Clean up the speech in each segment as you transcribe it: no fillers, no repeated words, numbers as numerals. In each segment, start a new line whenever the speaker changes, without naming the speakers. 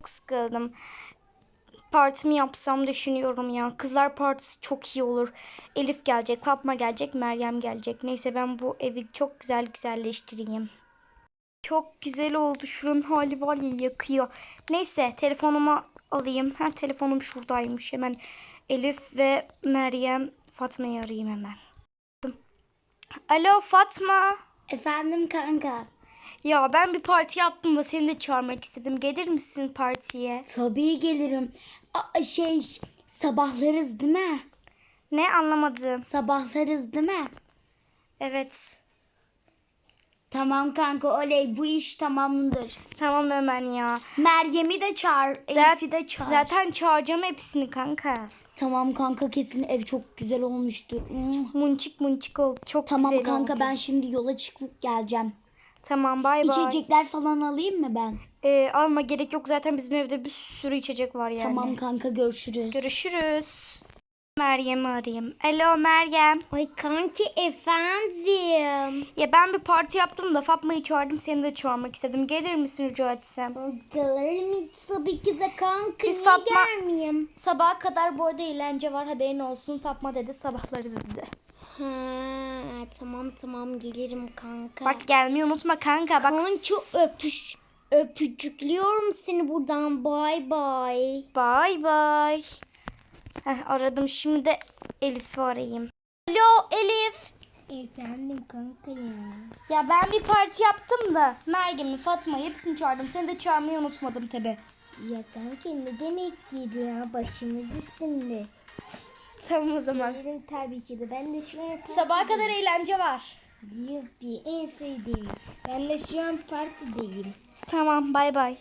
sıkıldım. Partimi yapsam düşünüyorum ya. Kızlar partisi çok iyi olur. Elif gelecek, Fatma gelecek, Meryem gelecek. Neyse ben bu evi çok güzelleştireyim. Çok güzel oldu. Şuranın hali var ya, yakıyor. Neyse telefonumu alayım. Telefonum şuradaymış. Hemen Elif ve Meryem, Fatma'yı arayayım hemen. Alo Fatma.
Efendim kanka.
Ya ben bir parti yaptım da seni de çağırmak istedim. Gelir misin partiye?
Tabii gelirim. Sabahlarız değil mi?
Ne, anlamadım.
Sabahlarız değil mi?
Evet.
Tamam kanka, oley, bu iş tamamdır.
Tamam hemen ya.
Meryem'i de çağır, Elif'i de çağır.
Zaten çağıracağım hepsini kanka.
Tamam kanka, kesin ev çok güzel olmuştur.
Munçik oldu. Çok
Tamam
güzel
kanka,
oldu.
ben şimdi yola çıkıp geleceğim.
Tamam, bay bay.
İçecekler falan alayım mı ben?
Alma, gerek yok. Zaten bizim evde bir sürü içecek var yani.
Tamam kanka, görüşürüz.
Görüşürüz. Meryem'i arayayım. Alo Meryem.
Ay kanki, efendim.
Ya ben bir parti yaptım da Fatma'yı çağırdım. Seni de çağırmak istedim. Gelir misin rica etsem?
Gelirim tabii ki de kanka.
Biz
Niye
Fatma-
gelmeyeyim?
Sabaha kadar bu arada eğlence var, haberin olsun. Fatma dedi sabahlarız dedi.
Ha, tamam gelirim kanka.
Bak gelmeyi unutma kanka. Bak.
Kanka öpücüklüyorum seni buradan. Bay bay.
Bay bay. Aradım, şimdi de Elif'i arayayım. Alo Elif.
Efendim kanka ya.
Ya ben bir parti yaptım da Meryem'i, Fatma'yı hepsini çağırdım. Seni de çağırmayı unutmadım tabi.
Ya kanka, ne demek ki ya, başımız üstünde.
Tamam o zaman.
Gelirim tabii ki de. Ben de şu an
Sabaha kadar eğlence var.
Yuppie, en sevdiğim. Ben de şu an partideyim.
Tamam, bay bay.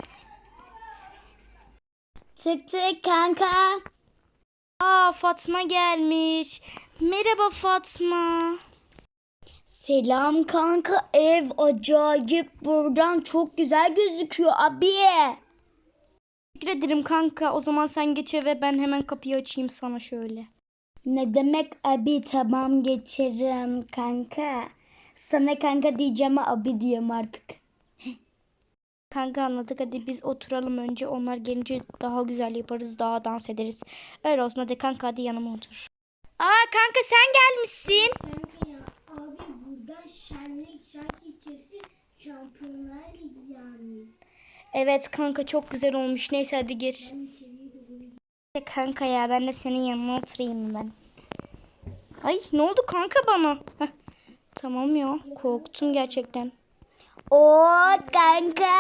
Tık tık kanka.
Fatma gelmiş. Merhaba Fatma.
Selam kanka, ev acayip, buradan çok güzel gözüküyor abi.
Teşekkür ederim kanka. O zaman sen geç eve, ben hemen kapıyı açayım sana şöyle.
Ne demek abi, tamam geçerim kanka. Sana kanka diyeceğim, abi diyeyim artık.
Kanka anladık, hadi biz oturalım önce. Onlar gelince daha güzel yaparız, daha dans ederiz. Öyle olsun, hadi kanka, hadi yanıma otur. Kanka sen gelmişsin.
Kanka ya, abi burada şark ilçesi Şampiyonlar Ligi yani.
Evet kanka, çok güzel olmuş. Neyse hadi gir. Kanka ya, ben de senin yanına oturayım ben. Ay ne oldu kanka bana? Tamam ya, korktum gerçekten.
Oo kanka.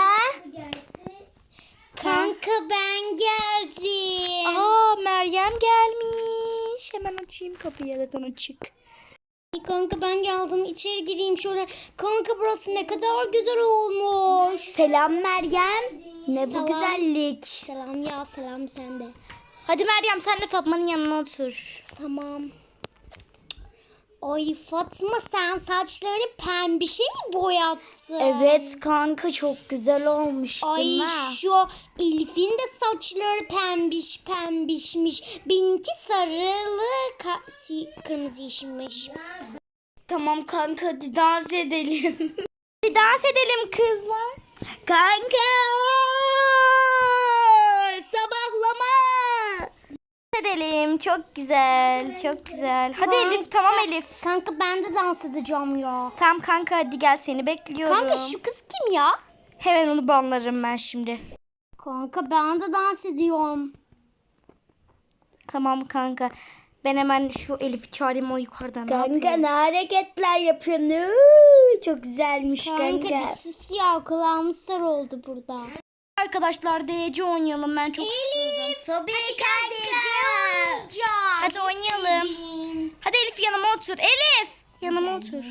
Kanka ben geldim.
Meryem gelmiş. Hemen açayım kapıyı, zaten açık.
Kanka ben geldim, içeri gireyim şöyle. Kanka burası ne kadar güzel olmuş. Selam Meryem. Ne bu güzellik. Selam ya, selam sende.
Hadi Meryem, sen de Fatma'nın yanına otur.
Tamam. Ay Fatma, sen saçlarını pembişe mi boyattın? Evet kanka, çok güzel olmuş değil mi? Ay şu Elif'in de saçları pembişmiş. Benimki sarılı, kırmızı yeşilmiş.
Tamam kanka, hadi dans edelim. Hadi dans edelim kızlar.
Kanka sabahlama.
Edelim, çok güzel, çok güzel. Hadi Elif, tamam Elif.
Kanka ben de dans edeceğim ya.
Tamam kanka, hadi gel, seni bekliyorum.
Kanka şu kız kim ya?
Hemen onu banlarım ben şimdi.
Kanka ben de dans ediyorum.
Tamam kanka. Ben hemen şu Elif'i çağırayım, o yukarıdan.
Kanka ne hareketler yapıyorsun? Çok güzelmiş kanka.
Bir sus ya, kulağım sar oldu burada.
Arkadaşlar DC oynayalım, ben çok istiyorum.
Tabii kanka.
Hadi oynayalım. Hadi Elif, yanıma otur. Elif, yanıma otur.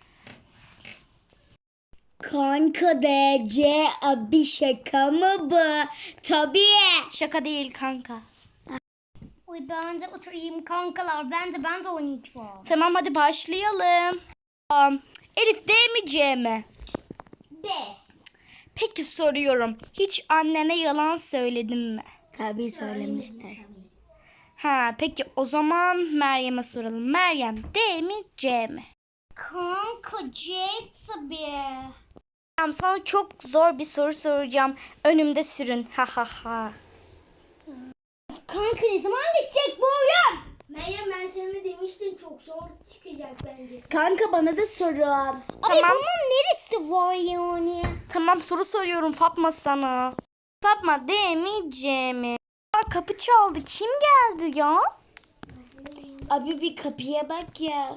Kanka DC abi, şaka mı bu? Tabii.
Şaka değil kanka.
Uy ben de oturayım kankalar, ben de oynayacağım.
Tamam hadi başlayalım. Elif, D mi C mi?
De.
Peki soruyorum. Hiç annene yalan söyledin mi?
Tabii söylemişler.
Peki o zaman Meryem'e soralım. Meryem, D mi C mi?
Kanka C tabii.
Tamam, sana çok zor bir soru soracağım. Önümde sürün. Ha ha ha.
Kanka ne zaman bitecek bu oyun?
Meryem ben sana demiştim çok zor çıkacak bence.
Kanka bana da sorun. Abi
Tamam.
bunun neresi var yani?
Tamam, soru soruyorum Fatma sana. Fatma demeyeceğimi. Aa, kapı çaldı. Kim geldi ya?
Abi bir kapıya bak ya.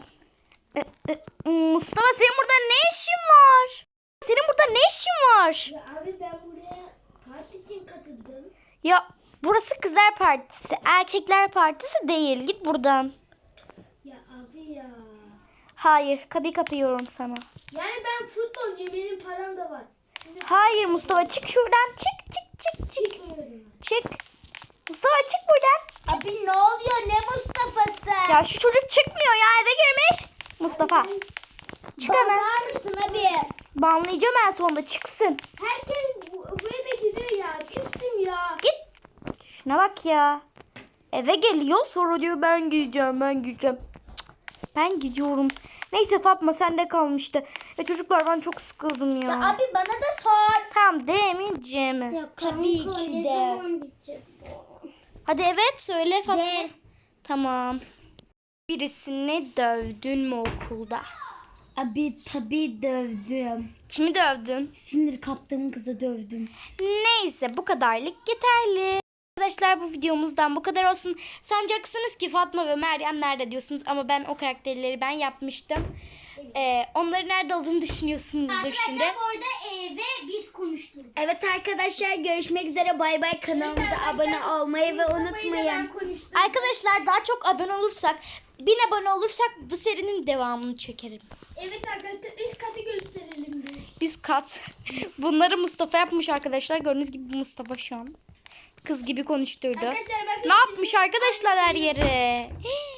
Mustafa, senin burada ne işin var? Senin burada ne işin var?
Ya abi ben buraya parti için katıldım.
Ya burası kızlar partisi, erkekler partisi değil. Git buradan.
Ya abi ya.
Hayır, kapıyı kapıyorum sana.
Yani ben futbolcuyum, benim param da var.
Hayır Mustafa, çık şuradan. Çık.
Çıkmıyorum.
Çık. Mustafa, çık buradan.
Abi ne oluyor? Ne Mustafa'sı?
Ya şu çocuk çıkmıyor ya, eve girmiş. Mustafa, çık hemen.
Bakar mısın abi?
Banlayacağım en sonunda, çıksın.
Herkes bu eve giriyor ya. Küstüm ya.
Git. Şuna bak ya. Eve geliyor, sonra diyor ben gideceğim. Cık, ben gidiyorum. Neyse Fatma, sende kalmıştı. Çocuklar, ben çok sıkıldım ya.
Abi bana da sor.
Tamam, demeyeceğim.
Ya tabii ki de.
bitecek bu?
Hadi evet, söyle Fatma.
De.
Tamam. Birisini dövdün mü okulda?
Abi tabii dövdüm.
Kimi dövdün?
Sinir kaptığım kızı dövdüm.
Neyse, bu kadarlık yeterli. Arkadaşlar, bu videomuzdan bu kadar olsun. Sanacaksınız ki Fatma ve Meryem nerede diyorsunuz, ama ben o karakterleri ben yapmıştım. Onları nerede olduğunu düşünüyorsunuzdur şimdi.
orada ve biz konuştuk.
Evet arkadaşlar, görüşmek üzere. Bay bay. Kanalımıza abone olmayı ve unutmayın.
Arkadaşlar, daha çok abone olursak, 1000 abone olursak bu serinin devamını çekerim.
Evet arkadaşlar, üst katı gösterelim bir.
Üst kat. Bunları Mustafa yapmış arkadaşlar. Gördüğünüz gibi Mustafa şu an kız gibi konuşturdu.
Arkadaşlar bakın.
Ne yapmış arkadaşlar her yere?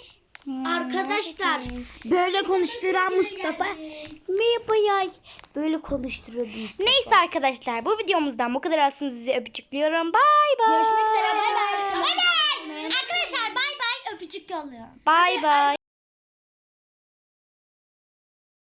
Arkadaşlar, böyle konuşturan Mustafa. Merhaba yay. Böyle konuşturuyor Mustafa.
Neyse arkadaşlar, bu videomuzdan bu kadar olsun. Sizi öpücüklüyorum. Bay bay.
Görüşmek üzere. Bay bay. Bay bay. Arkadaşlar bay bay. Öpücük yolluyorum.
Bay bay.